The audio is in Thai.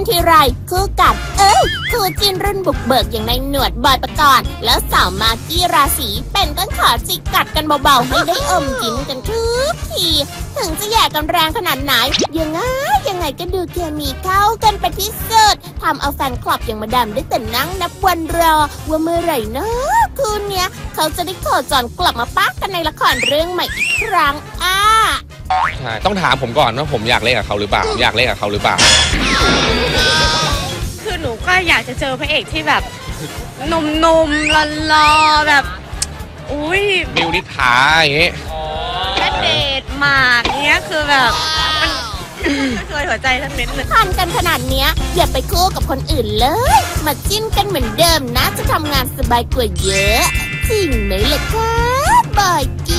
ทีไรคู่กัดคู่จิ้นรุ่นบุกเบิกอย่างในหนวดบอยปกรณ์แล้วสาวมากกี้ราศีเป็นต้นขอจิกกัดกันเบาๆให้ได้อมยิ้มกันทุกทีถึงจะแย่กันแรงขนาดไหนยังไงก็ดูเคมีเข้ากันไปที่สุดทำเอาแฟนคลับอย่างมาดามได้แต่นั่งนับวันรอว่าเมื่อไหร่นะคืนเนี้ยเขาจะได้โคจรกลับมาปักกันในละครเรื่องใหม่อีกครั้งใช่ต้องถามผมก่อนว่าผมอยากเล่นกับเขาหรือเปล่าคือหนูก็อยากจะเจอพระเอกที่แบบหนุ่มๆหล่อๆแบบอุ้ยมิวนิษฐาอย่างเงี้ยแค่เดทหมากเงี้ยคือแบบมันเคยหัวใจทั้งเน้นเลยทันกันขนาดเนี้ยอย่าไปคู่กับคนอื่นเลยมาจิ้นกันเหมือนเดิมนะจะทำงานสบายกว่าเยอะจริงไหมล่ะคะบอยกี้